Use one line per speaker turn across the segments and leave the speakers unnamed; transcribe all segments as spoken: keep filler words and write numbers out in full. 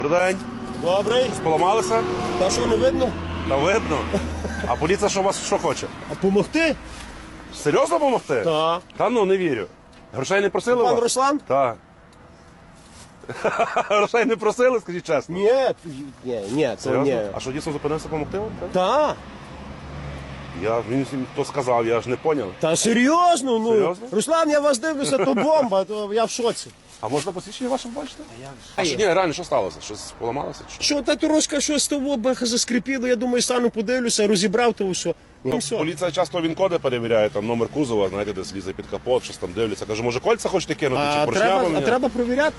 Добрий день.
Добрий.
Поламалися?
Та що, не видно?
Та видно. А поліція що вас що хоче?
А помогти?
Серйозно допомогти?
Так.
Та ну, не вірю. Грошей не просили
Пан
вас?
Руслан?
Так. Грошей не просили, скажіть чесно?
Ні, ні, ні, то
Серйозно?
ні.
А що, дійсно зупинився допомогти вам? так?
Та,
Я, він всім хто сказав, я ж не поняв.
та серйозно, ну.
Серйозно?
Руслан, я вас дивлюся, то бомба, то я в шоці.
А можна посвідчення ваше бачити? А як А що, ні, реально, що сталося? Щось поламалося? Чи що?
Що, та трошки щось того баха заскрипіло, я думаю, стану подивлюся, розібрав то все. Ну, все.
Поліція часто він-коди перевіряє, там номер кузова, знаєте, десь лізе під капот, щось там дивляться. Каже, може кольця хочете кинути,
А
чи поршня
треба, а
поміняти?
треба провіряти?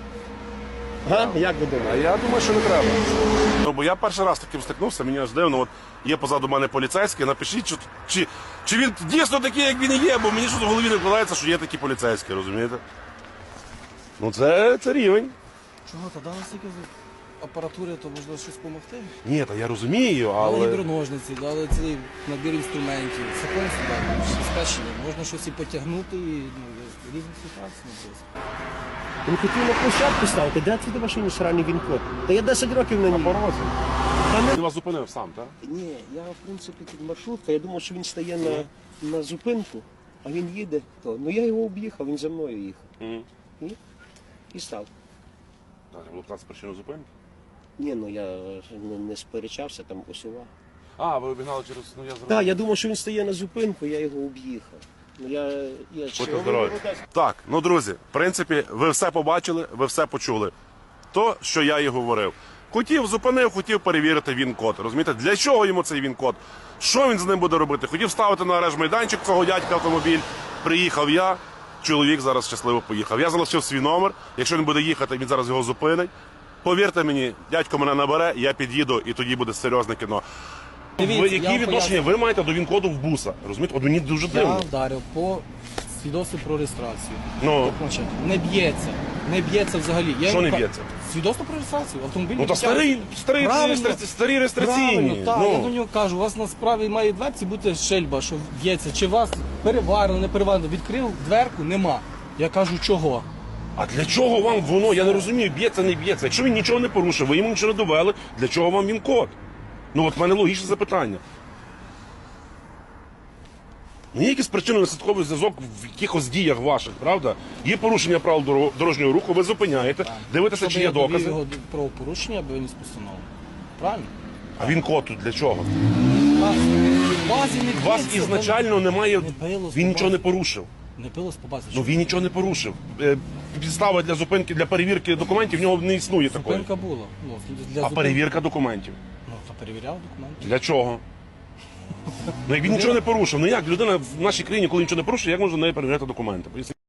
Га? Як ви
А
думаєте?
я думаю, що не треба. Ну, бо я перший раз таким стикнувся, мені аж дивно, от є позаду мене поліцейський, напишіть, чи, чи, чи він дійсно такий, як він і є, бо мені щось в голові не вкладається, що є такі поліцейські, розумієте? Ну це, це рівень.
Чого, та дали стільки апаратури, то можливо щось допомогти?
Ні, та я розумію,
Дали
але...
гідроножниці, дали цілий набір інструментів, секвенцію дали, спешені. Можна щось і потягнути, і ну, різні ситуації можливо.
Він хотів на площадку ставити, де це до машині сраний він-код? Та я десять років на ній.
Порозі.
Та не-
Він вас зупинив сам, так?
Ні, я в принципі тут маршрутка, я думав, що він стає на, на зупинку, а він їде, то. Ну я його об'їхав, він за мною їхав.
Угу.
І, і став.
Так, було питати причину зупинки.
Ні, ну я не, не сперечався, там усував.
А, ви обігнали через... Ну, я зрозумів.
Так, я думав, що він стає на зупинку, я його об'їхав. Ну я, я
Будьте здорові. Так, ну друзі, в принципі, ви все побачили, ви все почули. То, що я і говорив. Хотів, зупинив, хотів перевірити він-код. Розумієте, для чого йому цей він-код? Що він з ним буде робити? Хотів ставити на арешт майданчик цього дядька автомобіль. Приїхав я, чоловік зараз щасливо поїхав. Я залишив свій номер. Якщо він буде їхати, він зараз його зупинить. Повірте мені, дядько мене набере, я під'їду, і тоді буде серйозне кіно.
Дивіться,
Ви,
я
які
вам
відношення ви маєте до він-коду в буса? Розумієте, от мені дуже
Я
дивно.
вдарив по свідоцтву про реєстрацію.
Ну,
Значить, не б'ється. Не б'ється взагалі. Я
Що
йому
не
ка-
б'ється?
Свідоцтво про реєстрацію. Автомобіль
ну то старий, старий,
Правильно.
реєстра- старі реєстраційні.
Правильно, так,
ну.
я до нього кажу, у вас на справі має дверці бути шельба, що б'ється. Чи вас переварено, не переварено. Відкрив дверку, нема. Я кажу, чого?
А для чого вам воно? Я не розумію, б'ється, не б'ється. Якщо він нічого не порушив, ви йому нічого не довели, для чого вам він код? Ну от в мене логічне запитання. Ну, є якийсь причинно-наслідковий зв'язок в якихось діях ваших, правда? Є порушення правил доро- дорожнього руху, ви зупиняєте, дивитеся,
Щоб
чи є
я довів
докази.
його до правопорушення, аби виніс постанову. Правильно?
А він код тут для чого?
Вас, в базі не
У вас
б'ється,
ізначально немає.
Не билось
Він
по
нічого не
базі.
порушив.
Не пилось по базі.
Ну він нічого не порушив. Е, Підстава для зупинки, для перевірки документів в нього не існує такої.
Зупинка була. Ну, для
А
зупинки-
перевірка документів.
Ну, то перевіряв документи.
Для чого? Ну як він нічого не порушив. Ну як людина в нашій країні, коли нічого не порушує, як можна неї перевіряти документи? Поясніть.